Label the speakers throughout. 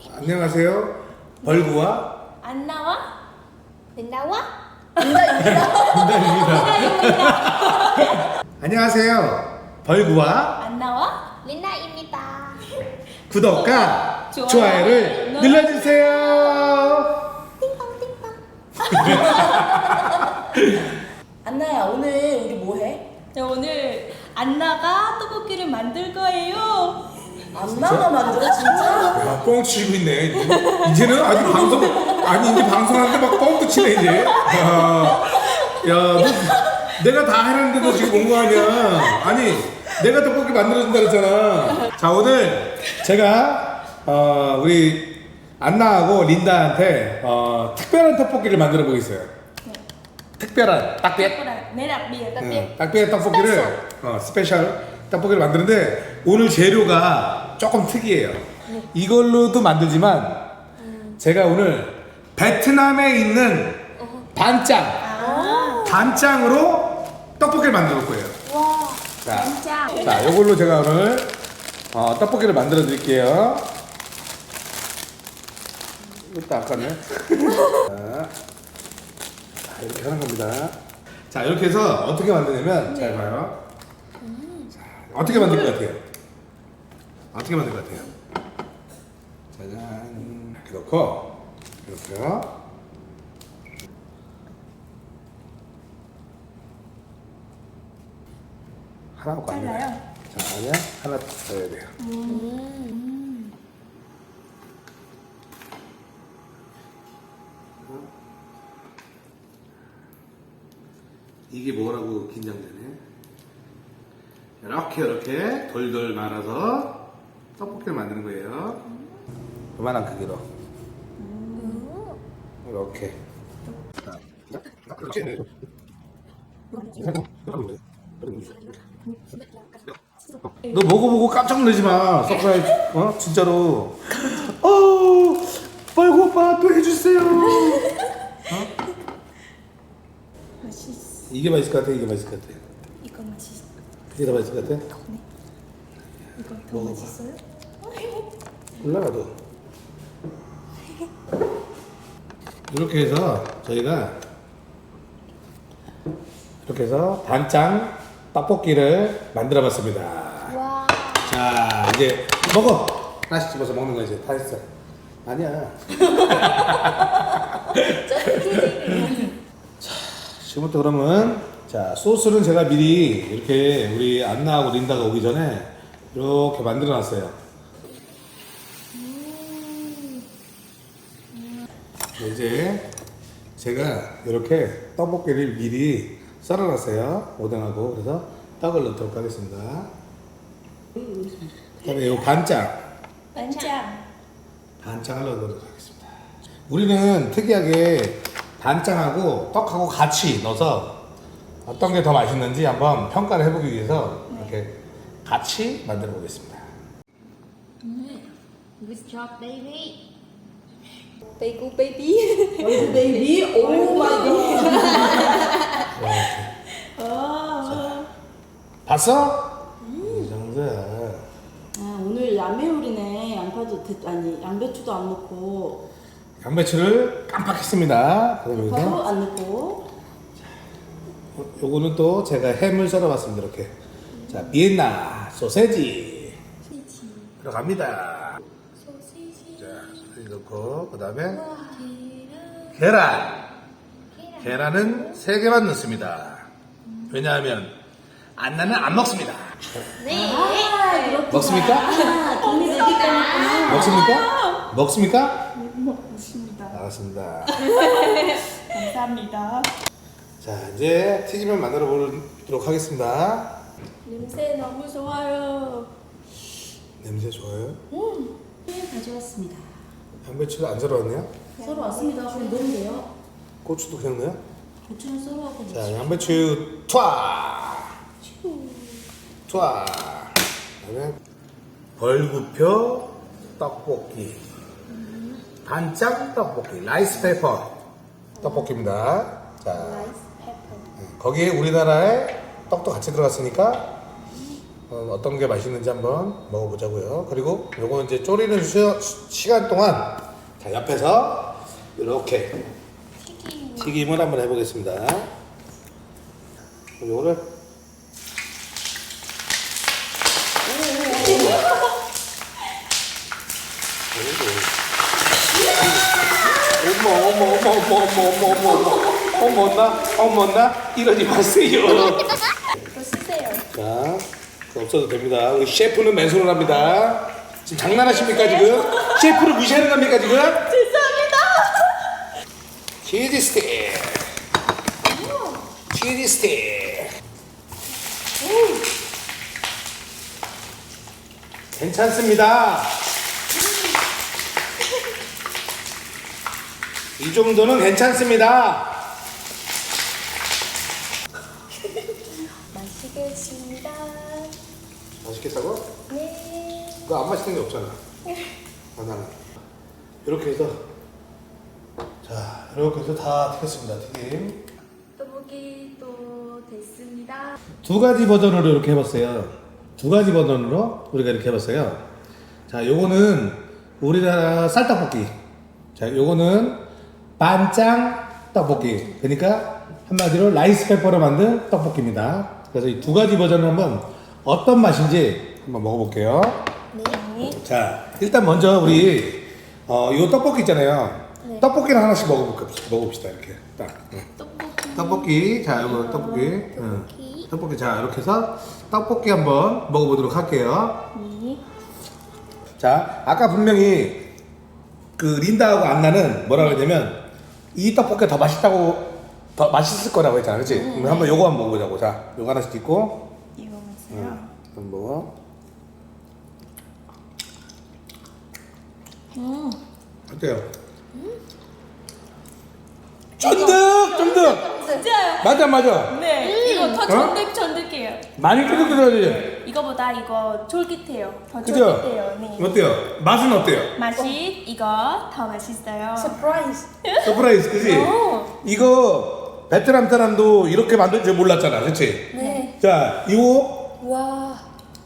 Speaker 1: 안녕하세요. 벌구와
Speaker 2: 안 나와? 안 나와?
Speaker 1: 안녕하세요. 벌구와
Speaker 2: 안 나와?
Speaker 3: 린나입니다.
Speaker 1: 구독과
Speaker 2: 좋아요.
Speaker 1: 좋아요를 눌러주세요.
Speaker 4: 안나야, 오늘 우리 뭐 해?
Speaker 2: 네, 오늘 안나가 떡볶이를 만들 거예요.
Speaker 4: 안나가 만들어, 진짜?
Speaker 1: 야, 뻥 치고 있네. 이제는 아직 방송 아니 이제 방송하는데 막 뻥도 치네 이제. 야, 너 내가 다 해놨는데도 지금 온 거 아니야? 아니 내가 떡볶이 만들어준다 그랬잖아. 자 오늘 제가 우리 안나하고 린다한테 특별한 떡볶이를 만들어 보겠어요. 특별한 딱biệt.
Speaker 2: 매력 비에
Speaker 1: 딱biệt 떡볶이를 스페셜 떡볶이를 만드는데 오늘 재료가 조금 특이해요. 이걸로도 만들지만 제가 오늘 베트남에 있는 단짱으로 떡볶이를 만들 거예요.
Speaker 2: 와,
Speaker 1: 자,
Speaker 2: 진짜.
Speaker 1: 자, 이걸로 제가 오늘 떡볶이를 만들어 드릴게요. 이것도 아까네. 자, 이렇게 하는 겁니다. 자, 이렇게 해서 어떻게 만드냐면 잘 봐요. 자, 어떻게 만들 것 같아요? 어떻게 만들 것 같아요? 짜잔. 이렇게 넣고 이렇게요. 하나 갖고 안
Speaker 2: 잘라요?
Speaker 1: 돼요. 자, 아니야. 하나 넣어야 돼요. 이게 뭐라고 긴장되네. 이렇게 돌돌 말아서 떡볶이를 만드는 거예요. 요만한 크기로. 이렇게. 너 먹어보고 깜짝 놀라지 마. 서프라이즈. 진짜로. 빨고 오빠 또 해주세요.
Speaker 2: 맛있어.
Speaker 1: 이게 맛있을 것 같아. 이게 맛있을 것 같아.
Speaker 2: 이거 맛있어.
Speaker 1: 이게 더 맛있을 것 같아.
Speaker 2: 이거 더
Speaker 1: 먹어봐.
Speaker 2: 맛있어요?
Speaker 1: 몰라 나도. 이렇게 해서 저희가 이렇게 해서 단짱 떡볶이를 만들어봤습니다.
Speaker 3: 와.
Speaker 1: 자 이제 먹어. 하나씩 집어서 먹는 거 이제 다 했어. 아니야. 자 지금부터 그러면 자 소스는 제가 미리 이렇게 우리 안나하고 린다가 오기 전에 이렇게 만들어놨어요. 이제 제가 이렇게 떡볶이를 미리 썰어놨어요. 오뎅하고. 그래서 떡을 넣도록 하겠습니다. 그다음에 이 반짱을 넣도록 하겠습니다. 우리는 특이하게 반짱하고 떡하고 같이 넣어서 어떤 게 더 맛있는지 한번 평가를 해보기 위해서 이렇게 같이 만들어 보겠습니다.
Speaker 3: Good job, baby.
Speaker 2: 베이고 베이비.
Speaker 4: 베이비? 오 마이 갓.
Speaker 1: 봤어? 이 정도야.
Speaker 4: 아, 오늘 야매요리네. 양배추도 안 넣고,
Speaker 1: 양배추를 깜빡했습니다. 그럼
Speaker 4: 대파도
Speaker 1: 여기서
Speaker 4: 안 넣고.
Speaker 1: 요거는 또 제가 햄을 썰어봤습니다. 이렇게. 자, 비엔나 소세지 들어갑니다.
Speaker 2: 소시지.
Speaker 1: 자, 소세지 넣고 그 다음에 계란은 3개만 넣습니다. 왜냐하면 안나는 안 먹습니다.
Speaker 3: 네.
Speaker 1: 먹습니까?
Speaker 4: 돈이 되기 때문에.
Speaker 1: 먹습니까? 먹습니까?
Speaker 2: 먹습니다.
Speaker 1: 알았습니다.
Speaker 2: 감사합니다.
Speaker 1: 자, 이제 튀김을 만들어 보도록 하겠습니다.
Speaker 2: 냄새 너무 좋아요.
Speaker 1: 냄새 좋아요?
Speaker 4: 가져왔습니다.
Speaker 1: 양배추를 안 썰어왔네요?
Speaker 4: 썰어 왔습니다. 그럼 넣으면 돼요.
Speaker 1: 고추도 그냥 넣어요?
Speaker 4: 고추는 썰어갖고.
Speaker 1: 자, 양배추 투하. 그다음에 벌구표 떡볶이, 반짱 떡볶이, 라이스 페퍼 떡볶이입니다. 자, 거기에 우리나라의 떡도 같이 들어갔으니까 어떤 게 맛있는지 한번 먹어보자고요. 그리고 요거 이제 졸이는 시간 동안 자 옆에서 이렇게 튀김을 한번 해보겠습니다. 요거를 어머나 이러지 마세요.
Speaker 2: 이거 쓰세요.
Speaker 1: 자, 그거 없어도 됩니다. 우리 셰프는 맨손을 합니다. 지금 장난하십니까 지금? 셰프를 무시하는 겁니까 지금?
Speaker 2: 죄송합니다.
Speaker 1: 치즈 스틱. 치즈 스틱. 괜찮습니다. 이 정도는 괜찮습니다.
Speaker 3: 맛있겠습니다.
Speaker 1: 맛있겠다고?
Speaker 3: 네.
Speaker 1: 너 안 맛있는 게 없잖아. 아, 나는. 이렇게 해서 자, 이렇게 해서 다 튀겼습니다. 튀김.
Speaker 2: 떡볶이 또 됐습니다.
Speaker 1: 두 가지 버전으로 이렇게 해봤어요. 두 가지 버전으로 우리가 이렇게 해봤어요. 자, 요거는 우리나라 쌀떡볶이. 자, 요거는 반짱 떡볶이. 그러니까 한마디로 라이스 페퍼로 만든 떡볶이입니다. 그래서 이 두 가지 버전을 한번 어떤 맛인지 한번 먹어볼게요.
Speaker 3: 네.
Speaker 1: 자, 일단 먼저 우리 요 떡볶이 있잖아요.
Speaker 3: 네.
Speaker 1: 떡볶이를 하나씩 먹어봅시다. 이렇게 딱. 떡볶이. 자, 이거 떡볶이. 응. 떡볶이. 자, 이렇게 해서 떡볶이 한번 먹어보도록 할게요.
Speaker 3: 네.
Speaker 1: 자, 아까 분명히 그 린다하고 안나는 뭐라 그랬냐면 이 떡볶이가 더 맛있다고 더 맛있을 거라고 했잖아, 그렇지? 그럼 한번 요거 한번 먹어보자고. 자, 요거 하나씩 찍고.
Speaker 2: 이거 보세요.
Speaker 1: 한번. 어때요? 쫀득!
Speaker 2: 진짜요?
Speaker 1: 맞아.
Speaker 2: 네. 이거 더 쫀득쫀득해요.
Speaker 1: 많이 쫀득쫀득하지?
Speaker 2: 이거보다 이거 쫄깃해요. 더
Speaker 1: 그죠?
Speaker 2: 쫄깃해요. 네.
Speaker 1: 어때요? 맛은 어때요?
Speaker 2: 맛이 이거 더 맛있어요.
Speaker 3: 서프라이즈.
Speaker 1: 서프라이즈, 그지?
Speaker 2: 오.
Speaker 1: 이거 베트남 사람도 이렇게 만들 줄 몰랐잖아, 그치?
Speaker 3: 네.
Speaker 1: 자, 이거
Speaker 3: 와.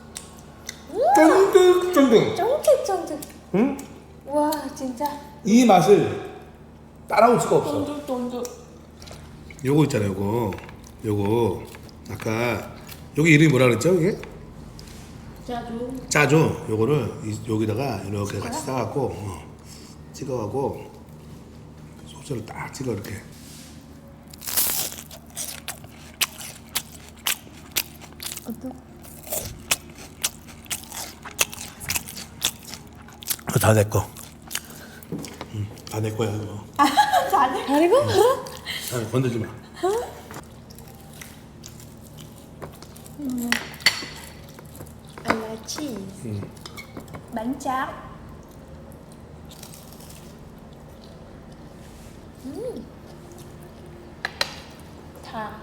Speaker 1: 쫀득쫀득.
Speaker 3: 쫀득쫀득.
Speaker 1: 응?
Speaker 3: 와, 진짜.
Speaker 1: 이 맛을 따라올 수가 없어.
Speaker 2: 쫀득쫀득.
Speaker 1: 요거 있잖아요, 요거. 아까 여기 이름이 뭐라 그랬죠, 이게?
Speaker 4: 짜조.
Speaker 1: 짜죠. 요거를 여기다가 이렇게 같이 싸갖고 찍어가고 소스를 딱 찍어 이렇게. 다 내 거. 다 내 거야 이거.
Speaker 2: 잘해.
Speaker 3: 그리고?
Speaker 1: 아, 건들지 마.
Speaker 3: I like cheese.
Speaker 2: 만짝. 다.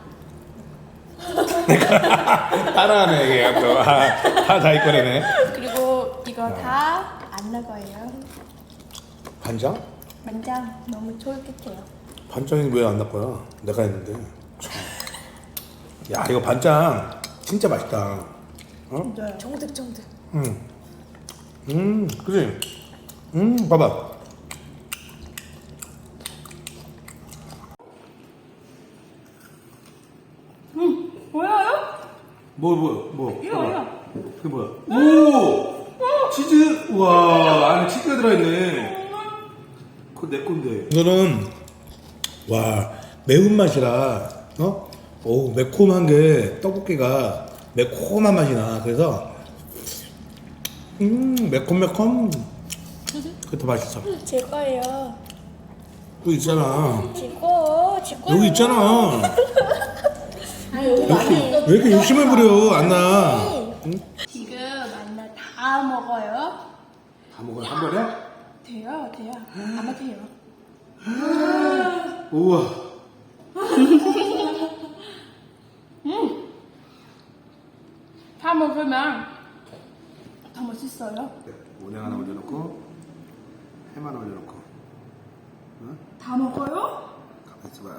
Speaker 1: 따라하네 이게 또. 다 자기 거래네.
Speaker 2: 그리고 이거 다 안 나가요.
Speaker 1: 반장?
Speaker 2: 만장 너무 쫄깃해요.
Speaker 1: 반장이 왜 안 나거야? 내가 했는데. 참. 야 이거 반장 진짜 맛있다. 어?
Speaker 2: 네.
Speaker 3: 쫀득쫀득.
Speaker 1: 그지? 봐봐.
Speaker 2: 뭐야요?
Speaker 1: 뭐?
Speaker 2: 이거 이거.
Speaker 1: 그게 뭐야? 오! 치즈? 우와, 안에 치즈가 들어있네. 그거 내 건데. 이거는, 와, 매운맛이라, 오, 매콤한 게, 떡볶이가 매콤한 맛이 나. 그래서, 매콤. 그게 더 맛있어.
Speaker 3: 제 거예요.
Speaker 1: 여기 있잖아.
Speaker 3: 제 거.
Speaker 1: 여기 있잖아.
Speaker 3: 아, 여기
Speaker 1: 왜 이렇게 욕심을 부려, 안나?
Speaker 2: 지금 만나 다 먹어요.
Speaker 1: 다 먹어요, 한 번에?
Speaker 2: 돼요. 아마 돼요.
Speaker 1: 우와.
Speaker 2: 다 먹으면 더 맛있어요.
Speaker 1: 오뎅 하나 올려놓고, 햄 하나 올려놓고.
Speaker 2: 다 먹어요?
Speaker 1: 가만 있어봐.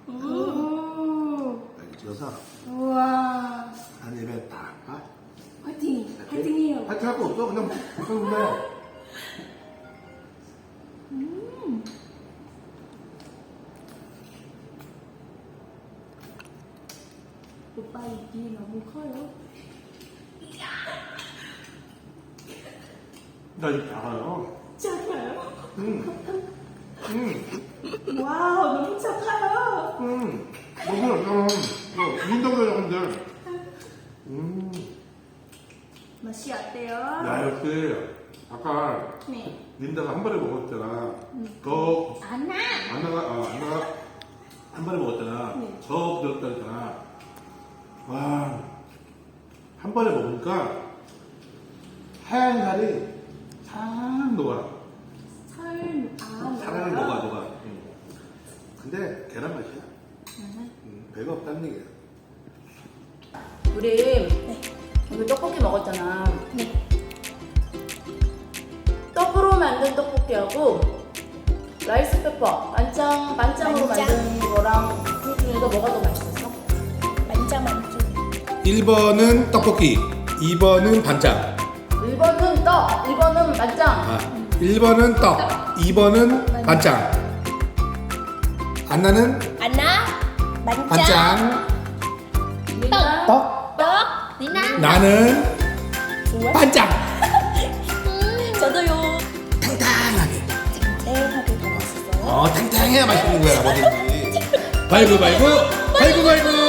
Speaker 2: 오.
Speaker 1: 이렇게 찍어서,
Speaker 2: 우와.
Speaker 1: 한 입에 딱,
Speaker 2: 파이팅해요.
Speaker 1: 파이팅 할 거 없어. 그냥 그냥
Speaker 2: 오빠 입이 너무 커요.
Speaker 1: 나 이거 작아요.
Speaker 2: 작아요?
Speaker 1: 와우,
Speaker 2: 너무 작아요.
Speaker 1: 너무 민다보다 작은데.
Speaker 2: 맛이 어때요?
Speaker 1: 야, 역시 아까
Speaker 2: 네.
Speaker 1: 린다가 한 번에 먹었잖아. 더
Speaker 2: 안나.
Speaker 1: 안나가 한 번에 먹었잖아.
Speaker 2: 네.
Speaker 1: 더 부드럽다 했잖아. 와, 한 번에 먹으니까 하얀 살이 싹 녹아. 살을 녹아. 근데 계란 맛이야. 배가 없다는 얘기야.
Speaker 4: 우리 오늘 떡볶이 먹었잖아.
Speaker 3: 네.
Speaker 4: 떡으로 만든 떡볶이하고 라이스 페퍼 만장으로
Speaker 3: 만장.
Speaker 4: 만든 거랑 그 중에서 뭐가 더 맛있었어?
Speaker 3: 만짜만쭈.
Speaker 1: 1번은 떡볶이, 2번은 반짝.
Speaker 4: 1번은 떡, 1번은 만장.
Speaker 1: 1번은 떡, 2번은 반짝. 안나는
Speaker 3: 안나. 만짜.
Speaker 1: 반짝.
Speaker 4: 리나
Speaker 1: 떡.
Speaker 3: 떡. 리나.
Speaker 1: 나는
Speaker 3: 좋아.
Speaker 1: 반짝.
Speaker 3: 저도요.
Speaker 1: 탱탱하게.
Speaker 3: 탱탱하게 먹었어요.
Speaker 1: 탱탱해야 맛있는 거야, 뭐든지. 발구.